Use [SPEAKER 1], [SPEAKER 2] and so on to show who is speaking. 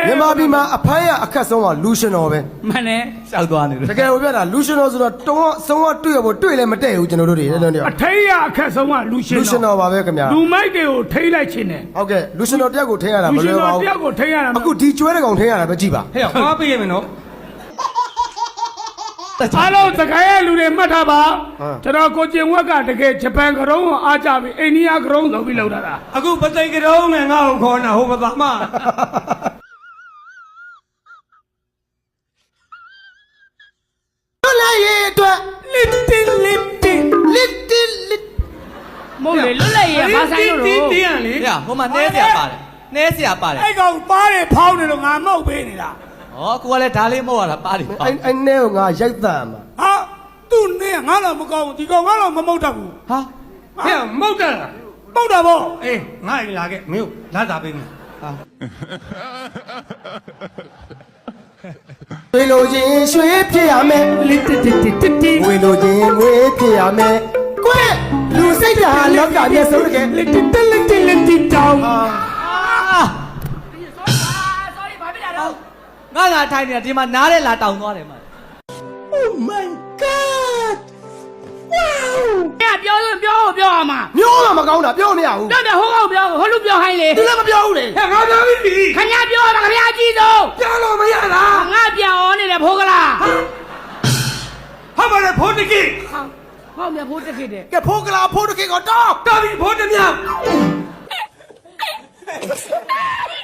[SPEAKER 1] မြန်မာပြည်မှာအဖမ်းရအခက်ဆုံးကလူရှင်တော်ပဲ
[SPEAKER 2] မှန်တယ်ရှောက်သွားနေတယ်
[SPEAKER 1] တကယ်ကိုပြတာလူရှင်တော်ဆိုတော့တုံးဆုံးကတွေ့ရဖို့တွေ့လည်းမတည့်ဘူးကျွန်တော်တို့တွေလည်းတော့
[SPEAKER 3] အထိတ်ရအခက်ဆုံးကလူရှင်တော်
[SPEAKER 1] လူရှင်တော်ပါပဲခင်ဗျာ
[SPEAKER 3] လူမိုက်တွေကိုထိတ်လိုက်ခြင်းတယ်
[SPEAKER 1] ဟုတ်ကဲ့လူရှင်တော်တယောက်ကိုထိရတာမလွယ်ပါဘူး
[SPEAKER 3] လူရှင်တော်တယောက်ကိုထိတ်ရတာ
[SPEAKER 1] အခုဒီကျွဲတဲ့ကောင်ထိရတာပဲကြည့်ပါ
[SPEAKER 2] ဟဲ့ဟောပေးရမယ်နော်
[SPEAKER 3] အားလုံးတကယ်လူတွေမှတ်ထားပါကျွန်တော်ကိုကျင်ဝက်ကတကယ်ဂျပန်ကရုံးကိုအားကြပြီးအိန္ဒိယကရုံးဆိုပြီးလောက်တာ
[SPEAKER 2] အခုပသိမ်ကရုံးနဲ့ငါ့ကိုခေါ်နေဟိုဘာမှ
[SPEAKER 1] လွတ်လပ်ရေးအတွက်
[SPEAKER 3] little
[SPEAKER 4] မဟုတ်လေလွတ်လပ်ရေးဘာဆိုင်လို့
[SPEAKER 3] တင်းရလေ
[SPEAKER 2] ဟဲ့ဟိုမှာနဲเสียပါတယ်နဲเสียပါတယ်
[SPEAKER 3] အဲ့ကောင်ပါးတယ်ဖောင်းနေလို့ငါမောက်ပေးနေတာ
[SPEAKER 2] ဩကိုကလည်းဒါလေးမဟုတ်ရတာပါတယ်
[SPEAKER 1] အဲ့နဲ့ကိုငါရိုက်တန်မှာ
[SPEAKER 3] ဟာသူ့နဲ့ငါတော့မကောင်းဘူးဒီကောင်ငါတော့မမောက်တတ်ဘူး
[SPEAKER 2] ဟာဟဲ့မဟုတ်တယ်
[SPEAKER 3] မောက်တာဗော
[SPEAKER 2] အေးငါ့အိမ်လာခဲ့မင်းလာတာပေးမယ်ဟာ
[SPEAKER 1] ဝေလိုချင်းရွှေဖြစ်ရမယ်ဝေလိုချင်းငွေဖြစ်ရမယ်ကွဲလူစိတ်ဓာတ်လောကမျက်စုံတကယ်
[SPEAKER 3] little တောင်း
[SPEAKER 2] ငါလာထိုင်နေတာဒီမှာနားတဲ့လာတောင်သွားတယ်မှာ
[SPEAKER 3] Oh my god wow
[SPEAKER 4] ပြောအောင်မှာ
[SPEAKER 1] မျိုးတော့မကောင်းတာပြောမရဘူး
[SPEAKER 4] တော့ဟိုကောင်ပြောဟိုလူပြောဟိုင်းလေ
[SPEAKER 1] သူလည်းမပြောဘူးလေ
[SPEAKER 3] ဟဲ့ငါပြောပြီ
[SPEAKER 4] ခင်ဗျာပြောပါခင်ဗျာကြည့်ဆုံး
[SPEAKER 3] ပြောလို့မရလား
[SPEAKER 4] ငါပြောင်းနေတယ်ဖိုးကလား
[SPEAKER 3] ဟာမလဲဖိုးတကိ
[SPEAKER 4] ဟောမြဖိုးတကိတဲ့
[SPEAKER 1] ကဲဖိုးကလာဖိုးတကိကတော့
[SPEAKER 3] တော်ပြီဖိုးတမြောက်